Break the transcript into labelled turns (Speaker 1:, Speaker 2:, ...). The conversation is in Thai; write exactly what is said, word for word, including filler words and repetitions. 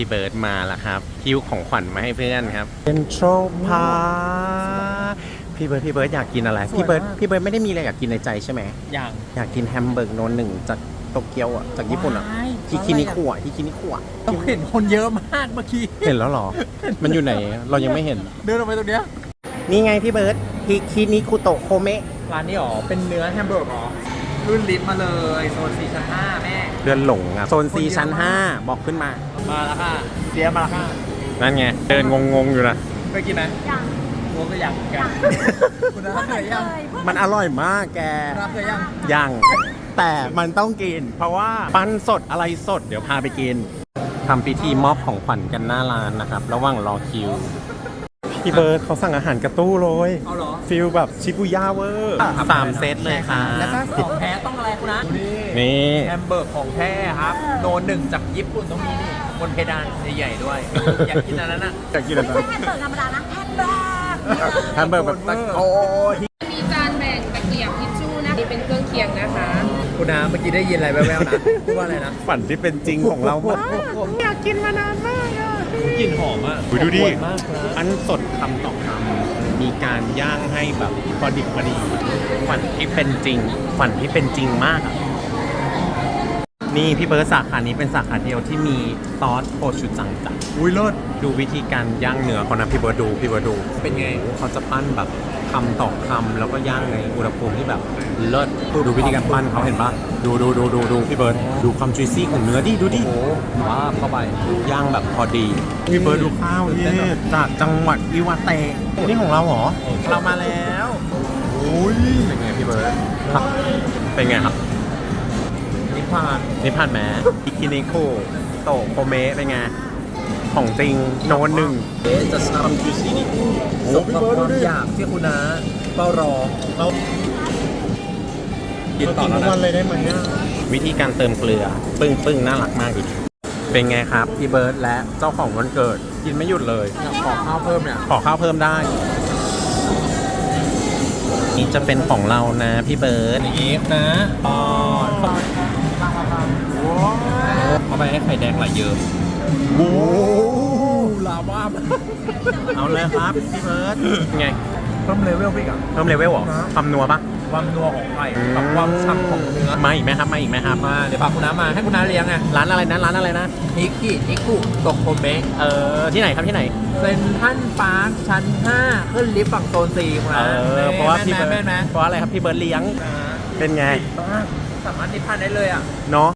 Speaker 1: พี่เบิร์ดมาแล้วครับคิวของขวัญมาให้เพื่อนครับเซ็นทรัลพาร์คพี่เบิร์ดพี่เบิร์ดอยากกินอะไรพี่เบิร์ดพี่เบิร์ดไม่ได้มีอะไรอยากกินในใจใช่ไหม
Speaker 2: อย่าง
Speaker 1: อยากกินแฮมเบอร์กโนนหนึ่งจากโตเกียวอ่ะจากญี่ปุ่นอ่ะฮิคินิคุอ่ะฮิคินิคุอ่ะ
Speaker 2: ต้องเห็นคนเยอะมากเมื่อกี้
Speaker 1: เห็นแล้วหรอมันอยู่ไหนเรายังไม่เห็น
Speaker 2: เดินออกไปตรงเนี้ย
Speaker 1: นี่ไงพี่เบิร์ดฮิคินิคุโตะโคเมะ
Speaker 2: ร้านนี้หรอเป็นเนื้อแฮมเบอร์กหรอรุ่นลิฟต์มาเลยโซนสี่ชั้นห้าแม่
Speaker 1: เดือนหลงอ่ะโซนซีชั้นห้าบอกขึ้นมา
Speaker 2: มาแล้วค่ะเสียมาแล้วค่ะ
Speaker 1: นั่นไงเดินงงๆอยู่นะ
Speaker 2: เคยกินไหม
Speaker 3: ยัง
Speaker 2: งงก็ยังกันคุณน้าเคยยัง
Speaker 1: มันอร่อยมากแก
Speaker 2: คุณน้าเคยยัง
Speaker 1: ยังแต่มันต้องกิน เพราะว่าปั้นสดอะไรสดเดี๋ยวพาไปกินทำพิธีมอบของขวัญกันหน้าร้านนะครับ ระหว่างรอคิวพี่เบิร์ดเขาสั่งอาหารกระตู้เลย
Speaker 2: เอาเหรอ
Speaker 1: ฟิลแบบชิบุย่าเวอร์สามเซตเลยค่ะ
Speaker 2: แล้วก็ของแท้ต้องอะไรคุณนะนี่
Speaker 1: นี่
Speaker 2: แฮมเบอร์กของแท้ครับโนนหนึ่งจากญี่ปุ่นต้องมีนี่บนเพดานใหญ่ๆด้วยอยากกินอันนั้นอ่ะ
Speaker 1: อยากกินอะไร
Speaker 3: ไม่ใช่แฮมเบอร์กธรรมดานะแฮมเบอร์ก
Speaker 1: แฮมเบอร์กแบบตะโอ้ย
Speaker 4: มีจานแบ่งตะเกียบทิชชู่นะนี่เป็นเครื่องเคียงนะคะ
Speaker 2: คุณน้าเมื่อกี้ได้ยินอะไรแว่วๆนะพูดว่าอะไรนะ
Speaker 1: ฝันที่เป็นจริงของเรามากอยากกินมานานมากอ่ะ
Speaker 2: กลิ่นหอมอ่ะ
Speaker 1: ดูดิ
Speaker 2: หอมมากนะ
Speaker 1: อันสดคำต่อคำมีการย่างให้แบบพอดิบพอดีฝันที่เป็นจริงฝันที่เป็นจริงมากอะนี่พี่เบิร์ดสาขานี้เป็นสาขาเดียวที่มีซอสโคชูจังจัด
Speaker 2: อุ้ยเลิศ
Speaker 1: ดูวิธีการย่างเนื้อเขานะพี่เบิร์ดดูพี่เบิร์ดดู
Speaker 2: เป็นไง
Speaker 1: โอ้โหเขาจะปั้นแบบคำต่อคำแล้วก็ย่างในอุณหภูมิที่แบบเลิศดูวิธีการปั้นเขาเห็นปะดูดูดูดูดูพี่เบิร์ดดูความจุยซี่ของเนื้อดิดูดิ
Speaker 2: โอ้ว้าเข้าไป
Speaker 1: ย่างแบบพอดีพี่เบิร์ดดูข้าวนี่จากจังหวัดอิวาเตะนี่ของเราเหรอเรามาแล้วโอ้ยเป็นไงพี่เบิร์ดครับเป็นไงครับ
Speaker 2: นิพพาน
Speaker 1: นี่ผ่านแหมอิคินิโคโตะโคเมะเป็นไงของจริงโนนหนึ่ง
Speaker 2: เอ๊ะจะทำจูซี่นี่สมกับความอยากที่คุณน้าเฝ้ารอ
Speaker 1: เรา
Speaker 2: กินต่อแล้วนะ
Speaker 1: เลยได้ไหมวิธีการเติมเกลือ ปึ้งปึ้งน่ารักมากดิเป็นไงครับพี่เบิร์ดและเจ้าของวันเกิด กินไม่หยุดเลย
Speaker 2: อยากขอข้าวเพิ่มเนี่ย
Speaker 1: ขอข้าวเพิ่มได้ นี่จะเป็นของเรานะพี่เบิร์ด
Speaker 2: นี่นะอ๋อเข้าไปให้ไข่แดงไหลเยิ้ม
Speaker 1: โอ้
Speaker 2: ลาวา
Speaker 1: เอาเลยครับพี่เบิร์ดไง
Speaker 2: เพิ่มเลเวลพี่กับ
Speaker 1: เพิ่มเลเวลเหรอความนัวปะ
Speaker 2: ความนัวของไข่กับความฉ่ำของเนื้อ
Speaker 1: มาอีกไหมครับมาอีกไหมครับ
Speaker 2: มาเดี๋ยวพาคุณน้ามาให้คุณน้าเลี้ยงไง
Speaker 1: ร้านอะไรนะร้านอะไรนะ
Speaker 2: ฮิกกินิกุโตโคเมะ
Speaker 1: เออที่ไหนครับที่ไหน
Speaker 2: เซนทรัลปาร์คชั้นห้าขึ้นลิฟต์ฝั่งโซนสี่คุณ
Speaker 1: เอ
Speaker 2: น้า
Speaker 1: อเพราะว่าพี่เบิร์ด
Speaker 2: แม่นไหม
Speaker 1: เพราะอะไรครับพี่เบิร์ดเลี้ยงเป็นไง
Speaker 2: สามารถนิพพานได้เลยอ่ะ
Speaker 1: เนาะ